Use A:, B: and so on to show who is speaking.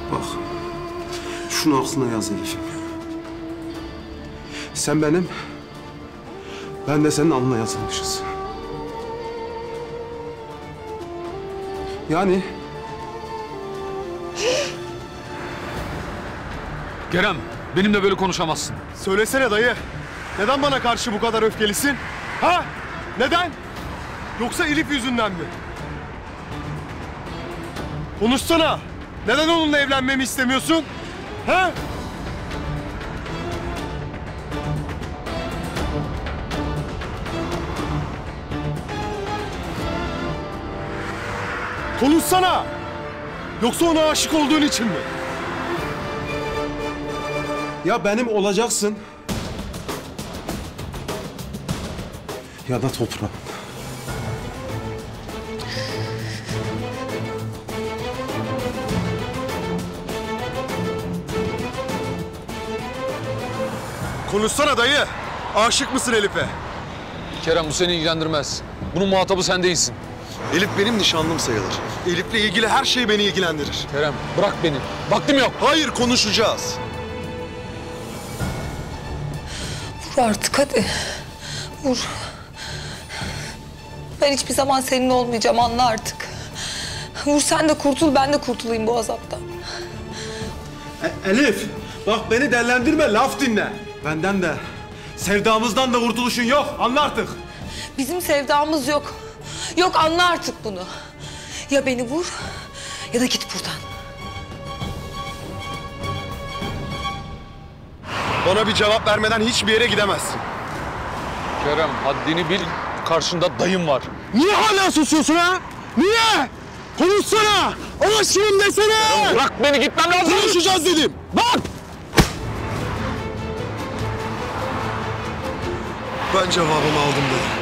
A: Bak, şunu aklına yaz Elif'im. Sen benim, ben de senin alnına yazılmışız. Yani...
B: Kerem, benimle böyle konuşamazsın.
C: Söylesene dayı. Neden bana karşı bu kadar öfkelisin? Ha? Neden? Yoksa Elif yüzünden mi? Konuşsana. Neden onunla evlenmemi istemiyorsun? Ha? Konuşsana. Yoksa ona aşık olduğun için mi?
A: Ya benim olacaksın ya da toprağın.
C: Konuşsana dayı. Aşık mısın Elif'e?
B: Kerem, bu seni ilgilendirmez. Bunun muhatabı sen değilsin.
C: Elif benim nişanlım sayılır. Elif'le ilgili her şey beni ilgilendirir.
B: Kerem, bırak beni. Vaktim yok.
C: Hayır, konuşacağız.
D: Vur artık hadi. Vur. Ben hiçbir zaman senin olmayacağım, anla artık. Vur sen de kurtul, ben de kurtulayım bu azaptan.
A: Elif, bak beni dellendirme, laf dinle. Benden de, sevdamızdan da kurtuluşun yok, anla artık.
D: Bizim sevdamız yok. Yok, anla artık bunu. Ya beni vur ya da git buradan.
C: Bana bir cevap vermeden hiçbir yere gidemezsin.
B: Kerem, haddini bil. Karşında dayım var.
C: Niye hala susuyorsun ha? Niye? Konuşsana! Aşığım desene!
B: Bırak beni, gitmem lazım.
C: Konuşacağız dedim. Bak! Ben cevabımı aldım dedim.